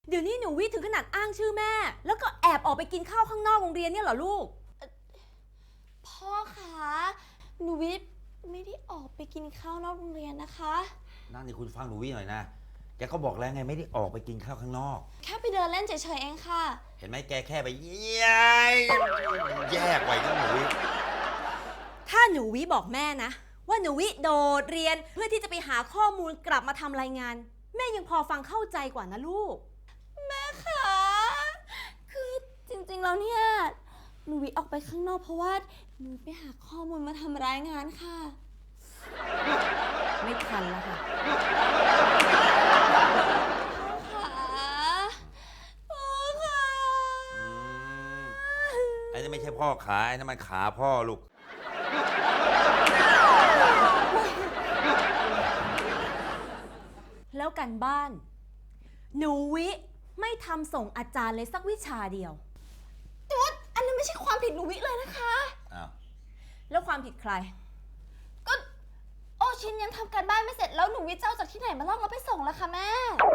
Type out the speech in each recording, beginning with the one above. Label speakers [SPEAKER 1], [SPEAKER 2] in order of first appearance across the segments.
[SPEAKER 1] เดี๋ยวนี้หนูวิถึงขนาดอ้างชื่อแม่แล้วก็แอบออกไปกินข้าวข้างนอกโรงเรียนเนี่ยเหรอลูก
[SPEAKER 2] พ่อคะหนูวิไม่ได้ออกไปกินข้าวนอกโรงเรียนนะคะ
[SPEAKER 3] นั่นนี่คุณฟังหนูวิหน่อยนะแกก็บอกแล้วไงไม่ได้ออกไปกินข้าวข้างนอก
[SPEAKER 2] แค่ไปเดินเล่นเฉยๆเองค่ะ
[SPEAKER 3] เห็นไหมแกแค่ไปแยกไว้ก็หนูวิ
[SPEAKER 1] ถ้าหนูวิบอกแม่นะว่าหนูวิโดดเรียนเพื่อที่จะไปหาข้อมูลกลับมาทำรายงานแม่ยังพอฟังเข้าใจกว่านะลูก
[SPEAKER 2] แม่คะคือจริงๆแล้วเนี่ยหนูวิออกไปข้างนอกเพราะว่าหนูไปหาข้อมูลมาทำรายงานค่ะ
[SPEAKER 1] ไม่ทันแล้วค่ะ
[SPEAKER 2] พ่อค่ะ
[SPEAKER 3] ไอ้นี่ไม่ใช่พ่อขาไอ้นั่นมันขาพ่อลูก
[SPEAKER 1] แล้วกันบ้านหนูวิไม่ทำส่งอาจารย์เลยสักวิชาเดียว
[SPEAKER 2] แต่ว่าอันนั้นไม่ใช่ความผิดหนูวิเลยนะคะ
[SPEAKER 3] อ้าว
[SPEAKER 1] แล้วความผิดใคร
[SPEAKER 2] ก็โอชินยังทำการบ้านไม่เสร็จแล้วหนูวิเจ้าจากที่ไหนมาลอกแล้วไปส่งล่ะคะแม่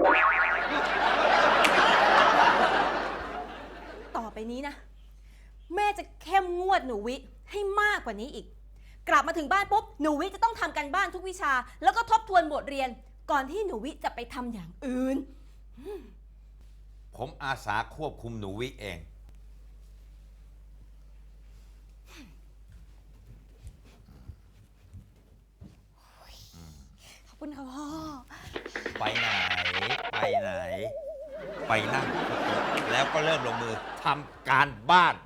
[SPEAKER 1] ต่อไปนี้นะแม่จะเข้มงวดหนูวิให้มากกว่านี้อีกกลับมาถึงบ้านปุ๊บหนูวิจะต้องทำการบ้านทุกวิชาแล้วก็ทบทวนบทเรียนก่อนที่หนูวิจะไปทำอย่างอื่น
[SPEAKER 3] ผมอาสาควบคุมหนูวิเอง
[SPEAKER 2] ขอบคุณค่ะพ่อ
[SPEAKER 3] ไปไหนไปไหนไปนั่งแล้วก็เริ่มลงมือทำการบ้าน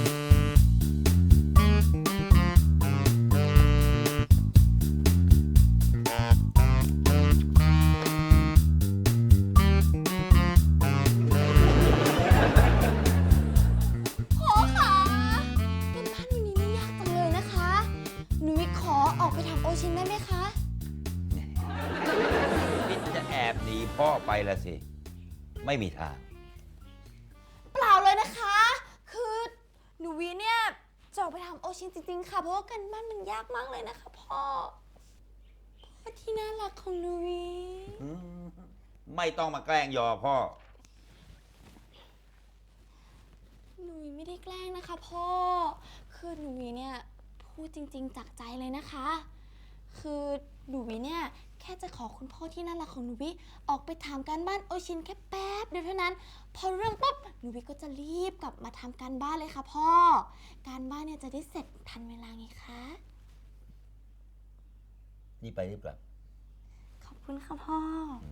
[SPEAKER 2] พ่อคะการบ้านวันนี้ไม่ยากจังเลยนะคะหนูวิขอออกไปทำโอชินได้ไหมคะ
[SPEAKER 3] คิดจะแอบหนีพ่อไปละสิไม่มีทาง
[SPEAKER 2] เปล่าเลยนะคะคือหนูวิเนี่ยจะออกไปทำโอชินจริงๆค่ะเพราะว่าการบ้านมันยากมากเลยนะคะพ่อที่น่ารักของหนูวิ
[SPEAKER 3] ไม่ต้องมาแกล้งยอพ่อ
[SPEAKER 2] หนูวิไม่ได้แกล้งนะคะพ่อคือหนูวิเนี่ยพูดจริงๆจากใจเลยนะคะคือหนูวิเนี่ยแค่จะขอคุณพ่อที่น่ารักของหนูวิออกไปถามการบ้านโอชินแค่แป๊บเดียวเท่านั้นพอเรื่องปุ๊บหนูวิก็จะรีบกลับมาทำการบ้านเลยค่ะพ่อการบ้านเนี่ยจะได้เสร็จทันเวลาไงคะ
[SPEAKER 3] นี่ไปรีบกลับ
[SPEAKER 2] ขอบคุณค่ะพ่อ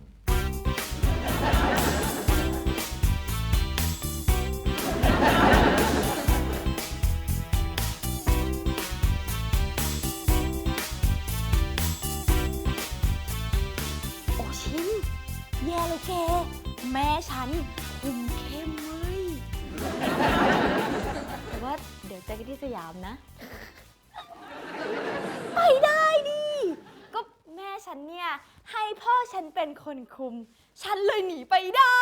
[SPEAKER 2] โอชินแย่เลยแกแม่ฉันคุมเข้มเลยแต่ว่าเดี๋ยวเจอกันที่สยามนะไปได้ดิก็แม่ฉันเนี่ยให้พ่อฉันเป็นคนคุมฉันเลยหนีไปได้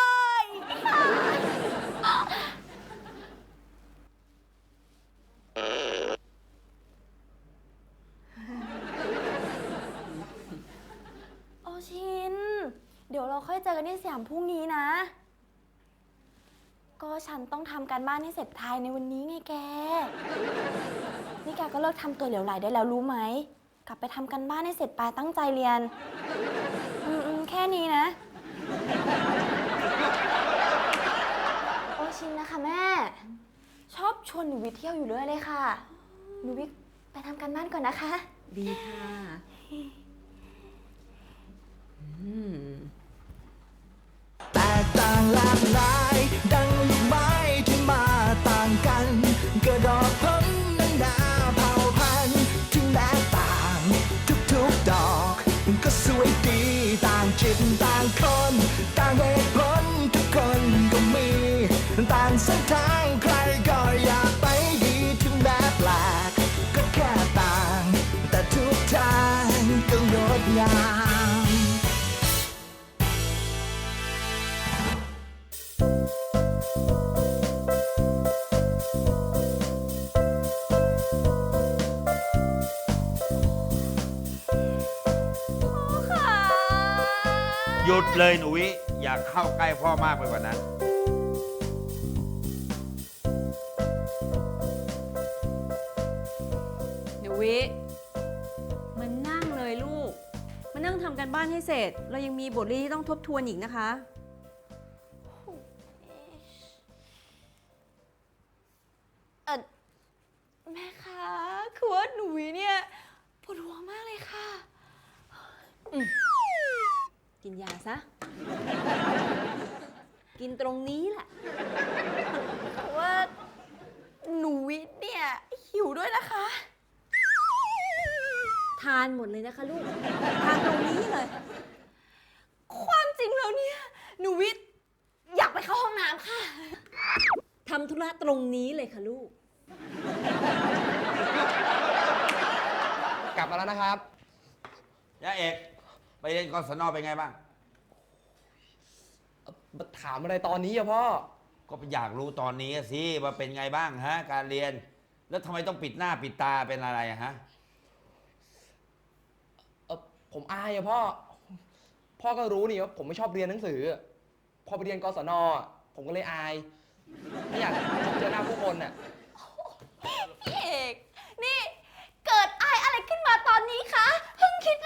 [SPEAKER 2] โอชินเดี๋ยวเราค่อยเจอกันที่สยามพรุ่งนี้นะก็ฉันต้องทำการบ้านให้เสร็จภายในวันนี้ไงแกนี่แกก็เลิกทำตัวเหลวไหลได้แล้วรู้ไหมกลับไปทำการบ้านให้เสร็จไปตั้งใจเรียนแค่นี้นะโอชินนะคะแม่ชอบชวนหนูวิเที่ยวอยู่เรื่อยเลยค่ะหนูวิไปทำการบ้านก่อนนะคะ
[SPEAKER 1] ดีค่ะ
[SPEAKER 4] แตกต่างหลากหลายดังลูกไม้ที่มาต่างกันกระดอกพ้นนั้นนาเผ่าพันธุ์ที่แม้ต่างทุกๆดอกก็สวยดีต่างจิตต่างคนต่างเหตุผลทุกคนก็มีต่างเส้นทางใครก็อยากไปดีถึงแม้แปลกก็แค่ต่างแต่ทุกทางก็งดงาม
[SPEAKER 3] หยุดเลยหนูวิอย่าเข้าใกล้พ่อมากไปกว่านั้น
[SPEAKER 1] หนูวิมันนั่งเลยลูกมานั่งทำกันบ้านให้เสร็จ เรายังมีบทเรียนที่ต้องทบทวนอีกนะคะ
[SPEAKER 2] แม่คะคือว่าหนูเนี่ยปวดหัวมากเลยค่ะ
[SPEAKER 1] กินยาซะ กินตรงนี้แหละ
[SPEAKER 2] เพราะว่าหนูวิเนี่ยหิวด้วยนะคะ
[SPEAKER 1] ทานหมดเลยนะคะลูก ทานตรงนี้เลย
[SPEAKER 2] ความจริงแล้วเนี่ยหนูวิอยากไปเข้าห้องน้ำค่ะ
[SPEAKER 1] ทำธุระตรงนี้เลยค่ะลูก
[SPEAKER 5] กลับมาแล้วนะครับ
[SPEAKER 3] ย่าเอก ไปเรียนกศนเป็นไงบ้าง
[SPEAKER 5] ถามอะไรตอนนี้อะพ่อ
[SPEAKER 3] ก็อยากรู้ตอนนี้สิว่าเป็นไงบ้างฮะ การเรียน แล้วทำไมต้องปิดหน้าปิดตาเป็นอะไรอะฮะ
[SPEAKER 5] ผมอายอะพ่อ พ่อก็รู้นี่ว่าผมไม่ชอบเรียนหนังสือ พอไปเรียนกศนอะผมก็เลยอาย ไม่อยากเจอหน้าผู้คนอะ
[SPEAKER 2] พี่เอก นี่เกิดอายอะไรขึ้นมาตอนนี้คะเพิ่งคิด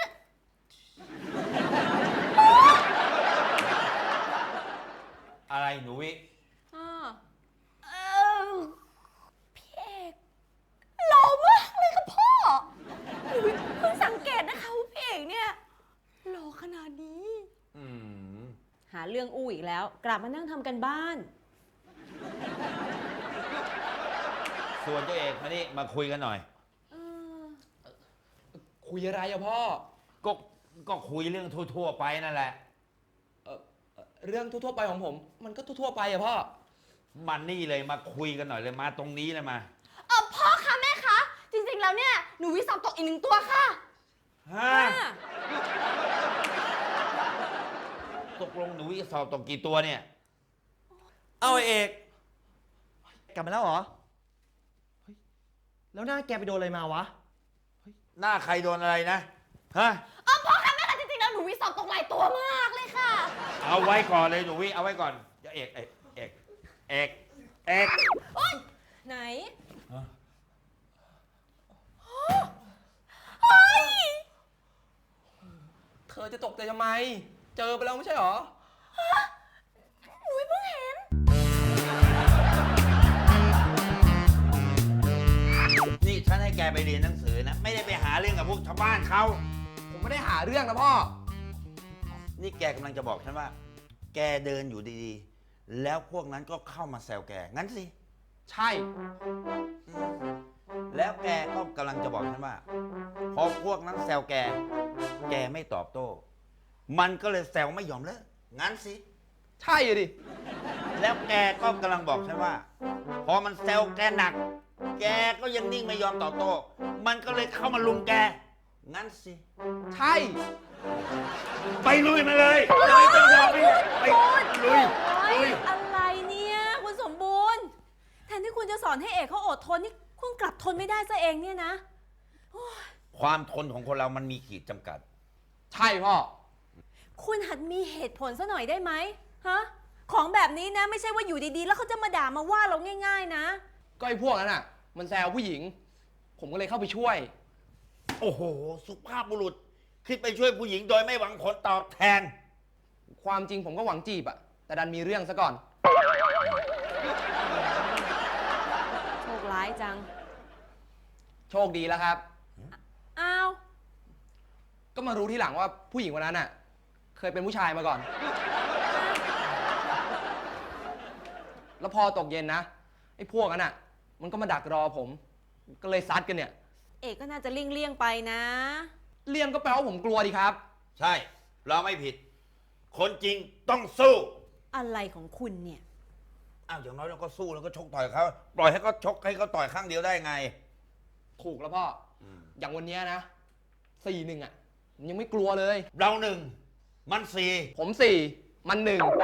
[SPEAKER 3] อะไรหนูวิ
[SPEAKER 2] เออพี่เอกหล่อมากเลยค่ะพ่อหนูเพิ่งสังเกตนะคะว่าพี่เอกเนี่ยหล่อขนาดนี้
[SPEAKER 3] อืม
[SPEAKER 1] หาเรื่องอู้อีกแล้ว กลับมานั่งทำกันบ้าน
[SPEAKER 3] ส่วนเจ้าเอกมานี่มาคุยกันหน่อย
[SPEAKER 5] คุยอะไรอะพ่อ
[SPEAKER 3] ก็ก็คุยเรื่องทั่วๆไปนั่นแหละ
[SPEAKER 5] เรื่องทั่วๆไปของผม มันก็ทั่วๆไปอะพ่อ
[SPEAKER 3] มันนี่เลยมาคุยกันหน่อยเลยมาตรงนี้เลยมา
[SPEAKER 2] พ่อคะแม่คะ จริงๆแล้วเนี่ยหนูวิสอบตกอีก1 ตัวค่ะ
[SPEAKER 3] ฮะ ตกลงหนูวิสอบตกกี่ตัวเนี่ย
[SPEAKER 6] เอาไอ้เอก กลับมาแล้วเหรอ เฮ้ย แล้วหน้าแกไปโดนอะไรมาวะ
[SPEAKER 3] หน้าใครโดนอะไรนะ ฮะ
[SPEAKER 2] พ่อคะแม่คะจริงๆแล้วหนูวิสอบตกหลายตัวมากเลยค่ะ
[SPEAKER 3] เอาไว้ก่อนเลยหนูวิเอาไว้ก่อนเดี๋ยวเอก
[SPEAKER 1] ไหน
[SPEAKER 5] เธอจะตกใจทำไม เจอไปแล้วไม่ใช่เหรอ
[SPEAKER 3] นี่ฉันให้แกไปเรียนหนังสือนะ ไม่ได้ไปหาเรื่องกับพวกชาวบ้านเขา
[SPEAKER 5] ผมไม่ได้หาเรื่องนะพ่อ
[SPEAKER 3] นี่แกกำลังจะบอกฉันว่า แกเดินอยู่ดีๆ แล้วพวกนั้นก็เข้ามาแซวแก งั้นสิ
[SPEAKER 5] ใช่
[SPEAKER 3] แล้วแกก็กำลังจะบอกฉันว่า พอพวกนั้นแซวแก แกไม่ตอบโต้ มันก็เลยแซวไม่ยอมเลิก งั้นสิ
[SPEAKER 5] ใช่อะดิ
[SPEAKER 3] แล้วแกก็กำลังบอกฉันว่า พอมันแซวแกหนัก แกก็ยังนิ่งไม่ยอมตอบโต้ มันก็เลยเข้ามาลุมแก งั้นสิ
[SPEAKER 5] ใช่
[SPEAKER 3] ไปลุยมาเลยจะไม่ต้องยอมไปลุย
[SPEAKER 1] อะไรเนี่ยคุณสมบูรณ์ แทนที่คุณจะสอนให้เอกเขาอดทนนี่คุณกลับทนไม่ได้ซะเองเนี่ยนะ
[SPEAKER 3] ความทนของคนเรามันมีขีดจำกัด
[SPEAKER 5] ใช่พ่อ
[SPEAKER 1] คุณหัดมีเหตุผลซะหน่อยได้ไหมฮะ ของแบบนี้นะไม่ใช่ว่าอยู่ดีๆ แล้วเขาจะมาด่ามาว่าเราง่ายๆนะ
[SPEAKER 5] ก็ไอ้พวกนั้นอ่ะ มันแซวผู้หญิง ผมก็เลยเข้าไปช่วย
[SPEAKER 3] โอ้โห สุภาพบุรุษ คิดไปช่วยผู้หญิงโดยไม่หวังผลตอบแทน
[SPEAKER 5] ความจริงผมก็หวังจีบอะแต่ดันมีเรื่องซะก่อน
[SPEAKER 1] โชคร้ายจัง
[SPEAKER 5] โชคดีแล้วครับ
[SPEAKER 1] อ้าว
[SPEAKER 5] ก็มารู้ทีหลังว่าผู้หญิงคนนั้นอ่ะ เคยเป็นผู้ชายมาก่อน แล้วพอตกเย็นนะไอ้พวกนั้นอ่ะ มันก็มาดักรอผม ก็เลยซัดกันเนี่ย
[SPEAKER 1] เอกก็น่าจะเลี่ยงๆไปนะ
[SPEAKER 5] เลี่ยงก็แปลว่าผมกลัวดีครับ
[SPEAKER 3] ใช่ เราไม่ผิด คนจริงต้องสู้
[SPEAKER 1] อะไรของคุณเนี่ย
[SPEAKER 3] อ้าว อย่างน้อยเราก็สู้แล้วก็ชกต่อยเขาปล่อยให้เขาชกให้เขาต่อยข้างเดียวได้ไง
[SPEAKER 5] ถูกแล้วพ่อออย่างวันเนี้ยนะ4-1อ่ะผมยังไม่กลัวเลย
[SPEAKER 3] เราหนึ่ง มันสี่
[SPEAKER 5] ผม4มัน1
[SPEAKER 1] โอ้โห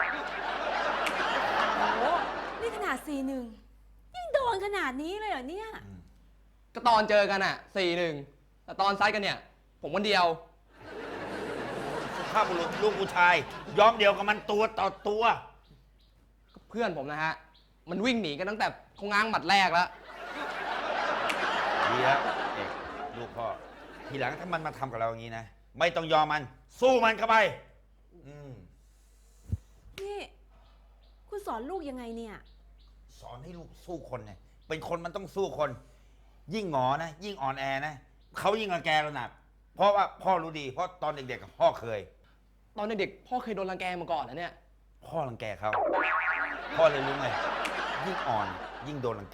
[SPEAKER 1] นี่ขนาด4-1ยังโดนขนาดนี้เลยเหรอเนี่ย
[SPEAKER 5] ก็ตอนเจอกันอ่ะ4-1แต่ตอนซัดกันเนี่ย ผมคนเดียว
[SPEAKER 3] สภาพบุรุษลูกผู้ชาย ยอมเดียวกับมันตัวต่อตัว
[SPEAKER 5] เพื่อนผมนะฮะ มันวิ่งหนีกันตั้งแต่เขาง้างหมัดแรกแล้ว
[SPEAKER 3] ดีแล้วเอกลูกพ่อ ทีหลังถ้ามันมาทำกับเราอย่างนี้นะ ไม่ต้องยอมมัน สู้มันเข้าไป
[SPEAKER 1] นี่ คุณสอนลูกยังไงเนี่ย
[SPEAKER 3] สอนให้ลูกสู้คนเนี่ยเป็นคนมันต้องสู้คน ยิ่งหงอนะ ยิ่งอ่อนแอนะเขายิ่งรังแกเราหนัก เพราะว่าพ่อรู้ดี เพราะตอนเด็กๆกับพ่อเคย
[SPEAKER 5] ตอนเด็กๆพ่อเคยโดนรังแกมาก่อนนะเนี่ย
[SPEAKER 3] พ่อรังแกเขาพ่อเลยรู้ไงยิ่งอ่อนยิ่งโดนรังแก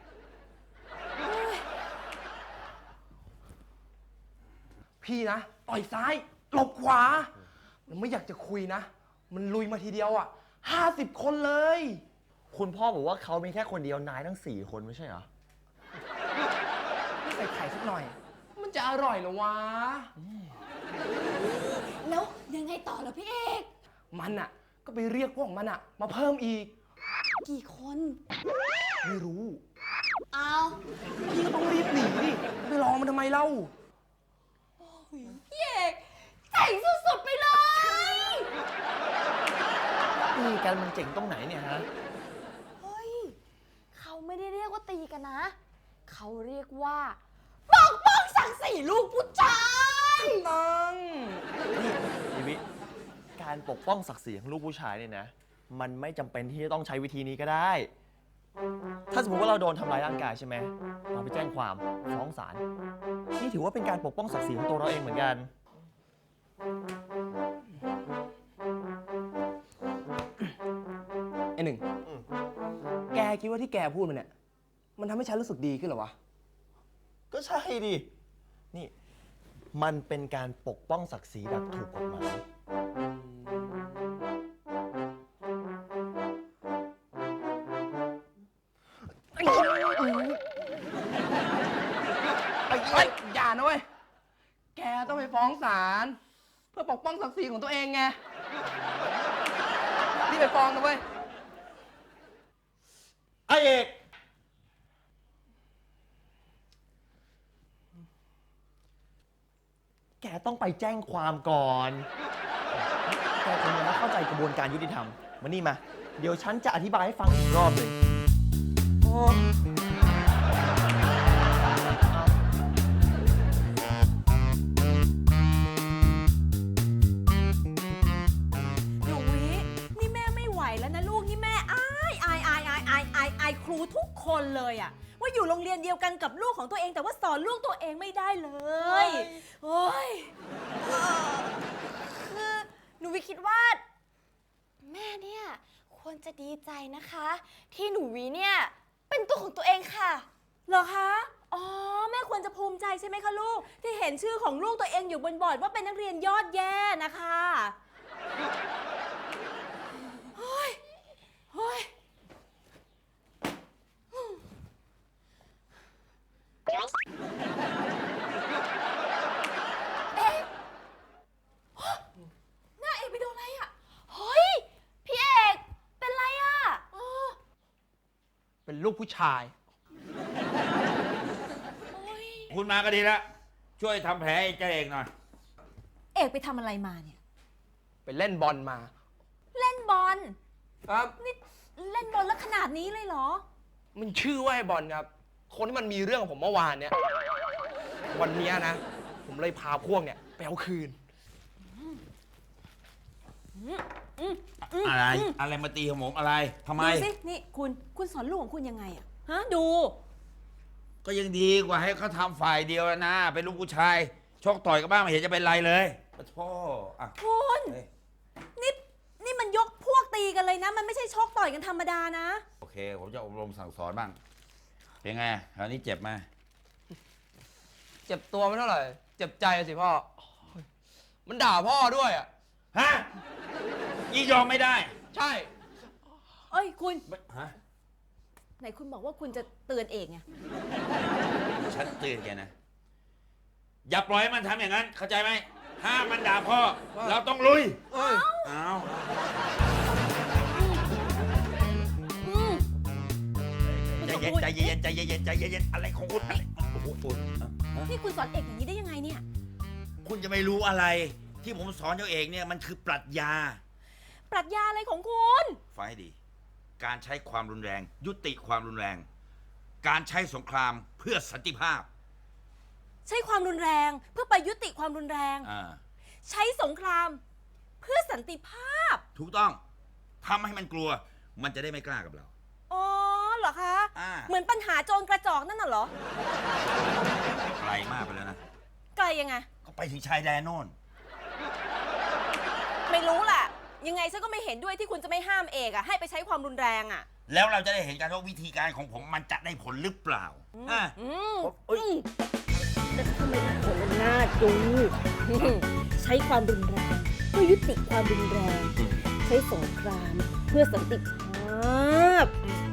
[SPEAKER 5] พี่นะ ต่อยซ้าย หลบขวา มันไม่อยากจะคุยนะ มันลุยมาทีเดียวอ่ะ50 คนเลย
[SPEAKER 6] คุณพ่อบอกว่าเขามีแค่คนเดียวนายทั้ง 4 คนไม่ใช่เหรอ
[SPEAKER 5] ไม่ใส่ไข่สักหน่อย มันจะอร่อยเหรอวะ
[SPEAKER 2] แล้วยังไงต่อเหรอพี่เอก
[SPEAKER 5] มันอ่ะ ก็ไปเรียกพวกมันอ่ะ มาเพิ่มอีก
[SPEAKER 2] กี่คน
[SPEAKER 5] ไม่รู้
[SPEAKER 2] เอา
[SPEAKER 5] พี่ก็ต้องรีบหนีดิไปรอมันทำไมเล่า
[SPEAKER 2] พี่เอกเจ๋งสุดๆไปเลย
[SPEAKER 6] ตีกันมันเจ๋งตรงไหนเนี่ยฮะ
[SPEAKER 2] เฮ้ย เขาไม่ได้เรียกว่าตีกันนะ เขาเรียกว่าปกป้องศักดิ์ศรีลูกผู้ชาย
[SPEAKER 5] ตัง
[SPEAKER 6] นี่วิการปกป้องศักดิ์ศรีของลูกผู้ชายเนี่ยนะ มันไม่จำเป็นที่จะต้องใช้วิธีนี้ก็ได้ ถ้าสมมติว่าเราโดนทำร้ายร่างกายใช่ไหม เราไปแจ้งความฟ้องศาล นี่ถือว่าเป็นการปกป้องศักดิ์ศรีของตัวเราเองเหมือนกัน
[SPEAKER 5] ไอ้หนึ่ง แกคิดว่าที่แกพูดมันเนี่ย มันทำให้ฉันรู้สึกดีขึ้นเหรอวะ
[SPEAKER 6] ก็ใช่ดิ นี่ มันเป็นการปกป้องศักดิ์ศรีแบบถูกกฎหมาย
[SPEAKER 5] เฮ้ยอย่านะเว้ย แกต้องไปฟ้องศาลเพื่อปกป้องศักดิ์ศรีของตัวเองไง นี่ไปฟ้องนะเว้ย
[SPEAKER 3] ไอเอก
[SPEAKER 6] แกต้องไปแจ้งความก่อน แกคงยังไม่เข้าใจกระบวนการยุติธรรม มานี่มา เดี๋ยวฉันจะอธิบายให้ฟังอีกรอบหนึ่ง
[SPEAKER 1] หนูวินี่แม่ไม่ไหวแล้วนะลูก นี่แม่อายครูทุกคนเลยอะว่าอยู่โรงเรียนเดียวกันกับลูกของตัวเอง แต่ว่าสอนลูกตัวเองไม่ได้เลยโอ้ย
[SPEAKER 2] คือหนูวิคิดว่า แม่เนี่ยควรจะดีใจนะคะ ที่หนูวิเนี่ยเป็นตัวของตัวเองค่ะ
[SPEAKER 1] เหรอคะ อ๋อ แม่ควรจะภูมิใจใช่ไหมคะลูก ที่เห็นชื่อของลูกตัวเองอยู่บนบอร์ดว่าเป็นนักเรียนยอดแย่นะคะเฮ้ยเฮ้ยหน้าเอกไปโดนอะไรอ่ะ
[SPEAKER 2] เฮ้ย พี่เอกเป็นไรอะ
[SPEAKER 5] เป็นลูกผู้ชาย
[SPEAKER 3] คุณมาก็ดีแล้วช่วยทำแผลให้เจ้าเอกหน่อย
[SPEAKER 1] เอกไปทำอะไรมาเนี่ย
[SPEAKER 5] ไปเล่นบอลมา
[SPEAKER 1] เล่นบอล
[SPEAKER 5] ครับ
[SPEAKER 1] นี่เล่นบอลแล้วขนาดนี้เลยเหรอ
[SPEAKER 5] มันชื่อว่าไอ้บอลครับ คนที่มันมีเรื่องกับผมเมื่อวานเนี่ย วันเนี้ยนะ ผมเลยพาพวกเนี่ยไปเอาคืน
[SPEAKER 3] อะไรมาตีของผมอะไรทำไม
[SPEAKER 1] ดูสิ นี่คุณสอนลูกของคุณยังไงอะฮะ ดู
[SPEAKER 3] ก็ยังดีกว่าให้เขาทำฝ่ายเดียวนะ เป็นลูกผู้ชายชกต่อยกันบ้างไม่เห็นจะเป็นไรเลยปะโทอ่ะ
[SPEAKER 1] คุณ
[SPEAKER 3] เฮ้ย
[SPEAKER 1] นี่มันยกพวกตีกันเลยนะ มันไม่ใช่ชกต่อยกันธรรมดานะ
[SPEAKER 3] โอเค ผมจะอบรมสั่งสอนบ้าง เป็นไงคราวนี้เจ็บไหม
[SPEAKER 5] เจ็บตัวไม่เท่าไหร่ เจ็บใจสิพ่อ มันด่าพ่อด้วยอ่ะ
[SPEAKER 3] ฮะยี่ยอมไม่ได้
[SPEAKER 5] ใช่
[SPEAKER 1] เอ้ยคุณ
[SPEAKER 3] ฮะ
[SPEAKER 1] ไหนคุณบอกว่าคุณจะเตือนเอกไง
[SPEAKER 3] ฉันเตือนแกนะ อย่าปล่อยให้มันทำอย่างนั้น เข้าใจไหมห้ามมันด่าพ่อ เราต้องลุย
[SPEAKER 5] เอ้ย
[SPEAKER 3] เอา ใจเย็นใจเย็นใจเย็นใจเย็นอะไรของคุณอะไรโอ้โหคุณ
[SPEAKER 1] นี่คุณสอนเอกอย่างนี้ได้ยังไงเนี่ย
[SPEAKER 3] คุณจะไม่รู้อะไร ที่ที่ผมสอนเจ้าเอกเนี่ยมันคือปรัชญา
[SPEAKER 1] ปรัชญาอะไรของคุณ
[SPEAKER 3] ฟังให้ดี การใช้ความรุนแรง ยุติความรุนแรง การใช้สงครามเพื่อสันติภาพ
[SPEAKER 1] ใช้ความรุนแรงเพื่อไปยุติความรุนแรง ใช้สงครามเพื่อสันติภาพ
[SPEAKER 3] ถูกต้องทำให้มันกลัว มันจะได้ไม่กล้ากับเรา
[SPEAKER 1] อ๋อเหรอคะ เหมือนปัญหาโจรกระจอกนั่นน่ะเหรอ
[SPEAKER 3] ไกลมากไปแล้วนะ
[SPEAKER 1] ไกลยังไง
[SPEAKER 3] ก็ไปถึงชายแดนโน่น
[SPEAKER 1] ไม่รู้แหละยังไงฉันก็ไม่เห็นด้วยที่คุณจะไม่ห้ามเอกอะให้ไปใช้ความรุนแรงอะ
[SPEAKER 3] แล้วเราจะได้เห็นกันว่าวิธีการของผมมันจะได้ผลหรือเปล่า
[SPEAKER 1] แต่ทำไมผลมันน่าดู ใช้ความรุนแรงเพื่อยุติความรุนแรง ใช้สงครามเพื่อสันติภาพ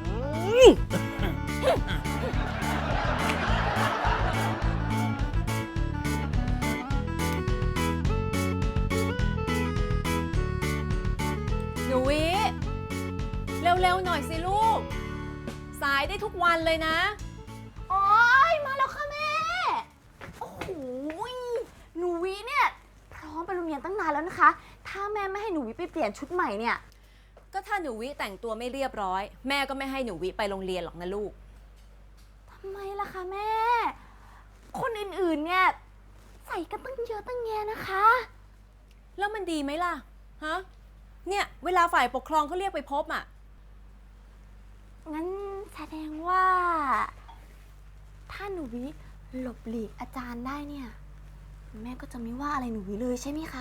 [SPEAKER 1] หนูวิเร็วๆหน่อยสิลูก สายได้ทุกวันเลยนะ
[SPEAKER 2] โอ๊ย มาแล้วค่ะแม่ โอ้โหหนูวิเนี่ย พร้อมไปโรงเรียนตั้งนานแล้วนะคะ ถ้าแม่ไม่ให้หนูวิไปเปลี่ยนชุดใหม่เนี่ย
[SPEAKER 1] ก็ถ้าหนูวิแต่งตัวไม่เรียบร้อย แม่ก็ไม่ให้หนูวิไปโรงเรียนหรอกนะลูก
[SPEAKER 2] ทำไมล่ะคะแม่ คนอื่นๆเนี่ย ใส่กันตั้งเยอะตั้งแยะนะคะ
[SPEAKER 1] แล้วมันดีไหมล่ะ ฮะ เนี่ย เวลาฝ่ายปกครองเขาเรียกไปพบอ่ะ
[SPEAKER 2] งั้นแสดงว่า ถ้าหนูวิหลบหลีกอาจารย์ได้เนี่ย แม่ก็จะไม่ว่าอะไรหนูวิเลยใช่ไหมคะ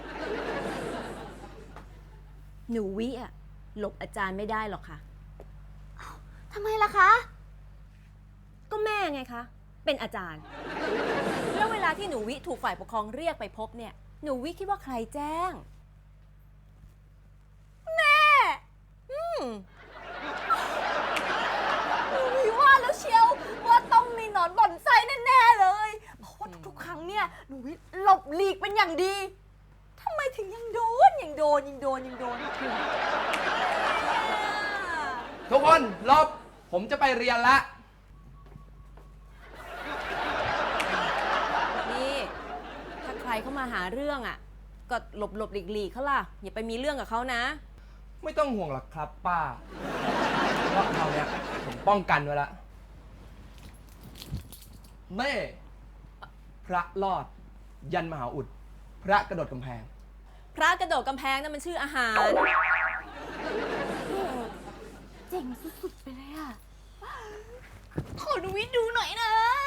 [SPEAKER 1] หนูวิอ่ะหลบอาจารย์ไม่ได้หรอกค่ะ
[SPEAKER 2] ทำไมล่ะคะ
[SPEAKER 1] ก็แม่ไงคะ เป็นอาจารย์ แล้วเวลาที่หนูวิถูกฝ่ายปกครองเรียกไปพบเนี่ย หนูวิคิดว่าใครแจ้ง
[SPEAKER 2] แม่ หนูวิว่าแล้วเชียวว่าต้องมีหนอนบ่อนไส้แน่ๆเลย เพราะว่าทุกๆครั้งเนี่ยหนูวิหลบหลีกเป็นอย่างดีทำไมถึงยังโดน
[SPEAKER 5] ทุกคนหลบ ผมจะไปเรียนละ
[SPEAKER 1] นี่ ถ้าใครเข้ามาหาเรื่องอ่ะ ก็หลบหลีกเขาล่ะ อย่าไปมีเรื่องกับเขานะ
[SPEAKER 5] ไม่ต้องห่วงหรอกครับป้าเพราะคราวเนี้ยผมป้องกันไว้ละแม่พระรอด ยันมหาอุด พระกระโดดกำแพง
[SPEAKER 1] พระกระโดดกำแพงนั่นมันชื่ออาหาร
[SPEAKER 2] เจ๋งสุดๆไปเลยอะขอหนูวิดูหน่อยนะ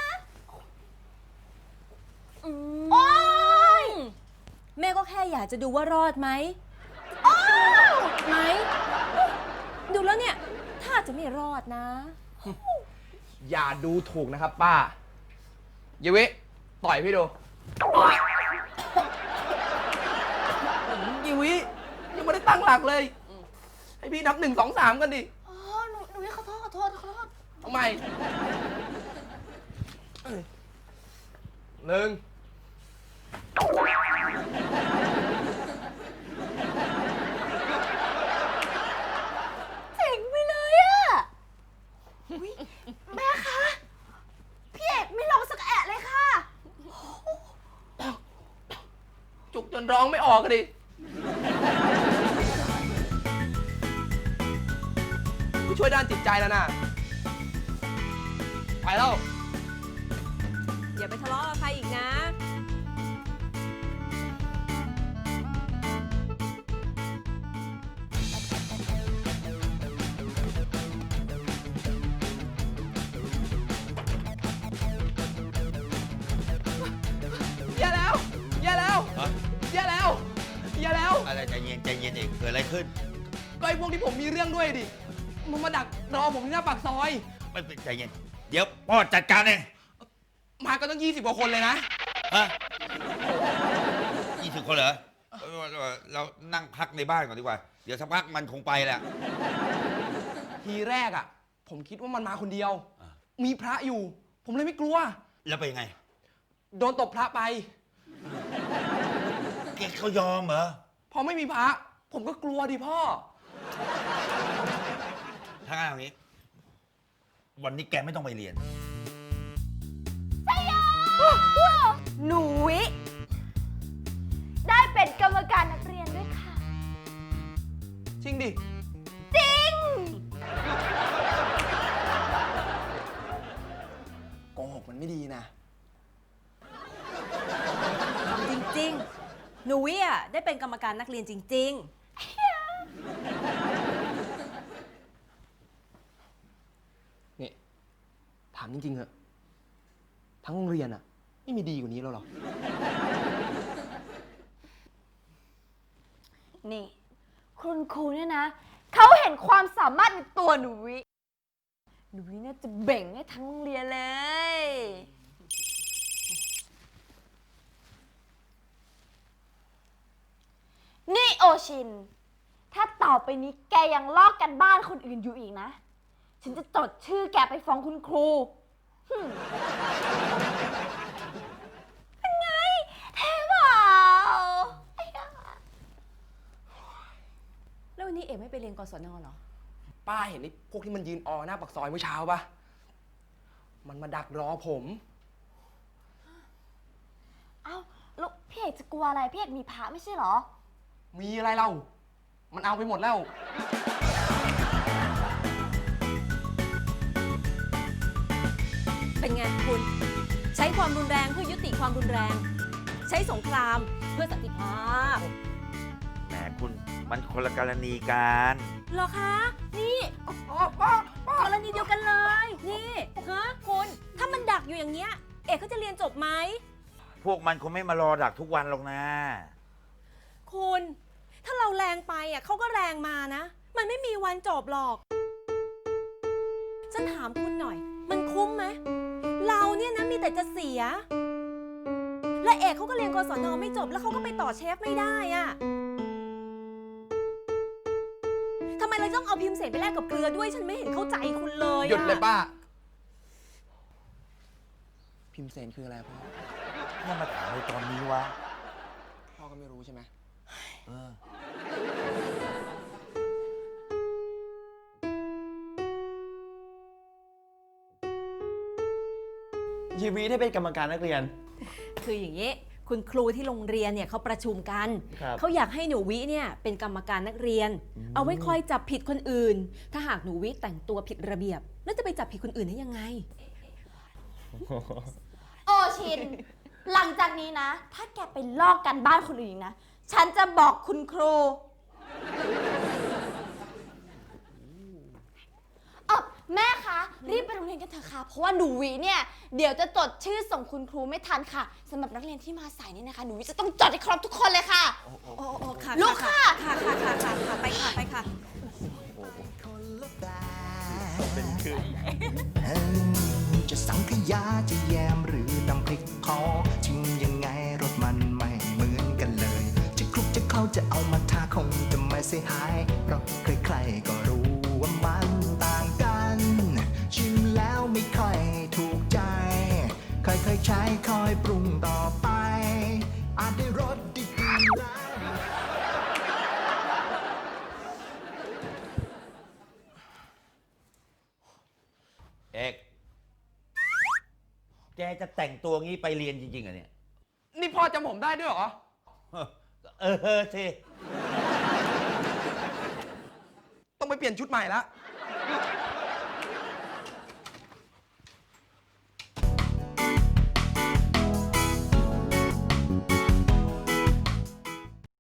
[SPEAKER 2] โอ๊ย
[SPEAKER 1] แม่ก็แค่อยากจะดูว่ารอดไหมไหม ดูแล้วเนี่ย ถ้าจะไม่รอดนะ
[SPEAKER 5] อย่าดูถูกนะครับป้าเยวิต่อยพี่ดูยีวิยังไม่ได้ตั้งหลักเลย ให้พี่นับ 1 2 3 กันดิ
[SPEAKER 2] อ๋อ หนูวิขอโทษ
[SPEAKER 5] เอาใหม่หนึ่ง
[SPEAKER 2] เจ๋งไปเลยอะอุ๊ยแม่คะ พี่เอกไม่ลองสักแอะเลยค่ะ
[SPEAKER 5] จุกจนร้องไม่ออกกันดิพี่ช่วยด้านจิตใจแล้วนะ ไปแล้ว
[SPEAKER 1] อย่าไปทะเลาะกับใครอีกนะ
[SPEAKER 5] อย่าแล้ว อย่าแล้ว
[SPEAKER 3] ฮะ
[SPEAKER 5] อย่าแล้ว อย่าแล้ว
[SPEAKER 3] อะไรใจเย็นเอกเกิดอะไรขึ้น
[SPEAKER 5] ก็ไอ้พวกที่ผมมีเรื่องด้วยดิ มันมาดักรอผมที่หน้าปากซอย
[SPEAKER 3] ไม่เป็นใจเย็น เดี๋ยวพ่อจัดการเอง
[SPEAKER 5] มาก็ต้อง20 กว่าคนเลยนะ
[SPEAKER 3] ฮะ20 คนเหรอ เรานั่งพักในบ้านก่อนดีกว่า เดี๋ยวสักพักมันคงไปแหละ
[SPEAKER 5] ทีแรกอ่ะ ผมคิดว่ามันมาคนเดียว
[SPEAKER 3] อ่า
[SPEAKER 5] มีพระอยู่ ผมเลยไม่กลัว
[SPEAKER 3] แล้วไปยังไง
[SPEAKER 5] โดนตบพระไป
[SPEAKER 3] แกเขายอมเหรอ
[SPEAKER 5] พอไม่มีพระ ผมก็กลัวดิพ่อ
[SPEAKER 3] ถ้างั้นอย่างนี้ วันนี้แกไม่ต้องไปเรียน
[SPEAKER 2] หนูวิได้เป็น
[SPEAKER 5] ริง ๆ ดิ โกหกมันไม่ดีนะ
[SPEAKER 1] จริงๆ หนูวิอ่ะได้เป็นกรรมการนักเรียนจริง
[SPEAKER 5] นี่ ถามจริงๆเหอะทั้งโรงเรียนอะไม่มีดีกว่านี้แล้วหรอ
[SPEAKER 2] นี่ คุณครูเนี่ยนะ เขาเห็นความสามารถในตัวหนูวิเนี่ยจะเบ่งให้ทั้งโรงเรียนเลย นี่โอชิน ถ้าต่อไปนี้แกยังลอกกันบ้านคนอื่นอยู่อีกนะ ฉันจะจดชื่อแกไปฟ้องคุณครูเป็นไงเท่เปล่า
[SPEAKER 1] ๆ แล้ววันนี้เอกไม่ไปเรียนกศนเหรอ
[SPEAKER 5] ป้าเห็นไอ้พวกที่มันยืนออหน้าปากซอยเมื่อเช้าปะมันมาดักรอผม
[SPEAKER 2] เอ้าแล้วพี่เอกจะกลัวอะไร พี่เอกมีพระไม่ใช่เหรอ
[SPEAKER 5] มีอะไรเล่า มันเอาไปหมดแล้ว
[SPEAKER 1] เป็นไงคุณ ใช้ความรุนแรงเพื่อยุติความรุนแรง ใช้สงครามเพื่อสันติภาพ
[SPEAKER 3] แหมคุณมันคนละกรณีกัน
[SPEAKER 1] เหรอคะ นี่กรณีเดียวกันเลย นี่ฮะคุณ ถ้ามันดักอยู่อย่างเงี้ย เอกเขาจะเรียนจบไหม
[SPEAKER 3] พวกมันคงไม่มารอดักทุกวันหรอกนะ
[SPEAKER 1] คุณ ถ้าเราแรงไปอ่ะเขาก็แรงมานะ มันไม่มีวันจบหรอก ฉันถามคุณหน่อย มันคุ้มไหม เราเนี่ยนะมีแต่จะเสีย และเอกเขาก็เรียนกศนไม่จบ แล้วเขาก็ไปต่อเชฟไม่ได้อ่ะทำไมเราต้องเอาพิมพ์เสนไปแลกกับเกลือด้วย ฉันไม่เห็นเข้าใจคุณเลยอะ
[SPEAKER 5] หยุดเลยป้า พิมพ์เซนคืออะไรพ่อ
[SPEAKER 3] เนี่ยมาถามในตอนนี้วะ
[SPEAKER 5] พ่อก็ไม่รู้ใช่ไหม
[SPEAKER 3] เออ
[SPEAKER 6] ยีวีได้เป็นกรรมการนักเรียน
[SPEAKER 1] คืออย่างนี้ คุณครูที่โรงเรียนเนี่ยเขาประชุมกัน
[SPEAKER 6] ครับ
[SPEAKER 1] เขาอยากให้หนูวิเนี่ยเป็นกรรมการนักเรียน เอาไว้คอยจับผิดคนอื่น ถ้าหากหนูวิแต่งตัวผิดระเบียบ แล้วจะไปจับผิดคนอื่นได้ยังไง
[SPEAKER 2] โอชิน หลังจากนี้นะ ถ้าแกไปลอกกันบ้านคนอื่นอีกนะ ฉันจะบอกคุณครูแม่คะ รีบไปโรงเรียนกันเถอะค่ะ เพราะว่าหนูวิเนี่ย เดี๋ยวจะจดชื่อส่งคุณครูไม่ทันค่ะสำหรับนักเรียนที่มาสายนี่นะคะ หนูวิจะต้องจดให้ครบทุกคนเลยค่ะ
[SPEAKER 1] โอ้ค่ะ
[SPEAKER 2] ลุกค่ะ
[SPEAKER 1] ค่ะไปค่ะ ไปค่ะ
[SPEAKER 6] เป็นคือ
[SPEAKER 4] จะสังขยาจะแยมหรือตำพริกคอชิมยังไงรสมันไม่เหมือนกันเลย จะคลุกจะเข้าจะเอามาทาคงจะไม่เสียหาย เพราะใครๆก็รู้ว่ามันต่างกัน ชิมแล้วไม่ค่อยถูกใจ ค่อยๆใช้ค่อยปรุงต่อไป อาจได้รสดีๆแล้ว
[SPEAKER 3] เอก แกจะแต่งตัวงี้ไปเรียนจริงๆเหรอเนี่ย
[SPEAKER 5] นี่พ่อจำผมได้ด้วยเหรอ
[SPEAKER 3] เออสิ
[SPEAKER 5] ต้องไปเปลี่ยนชุดใหม่ละ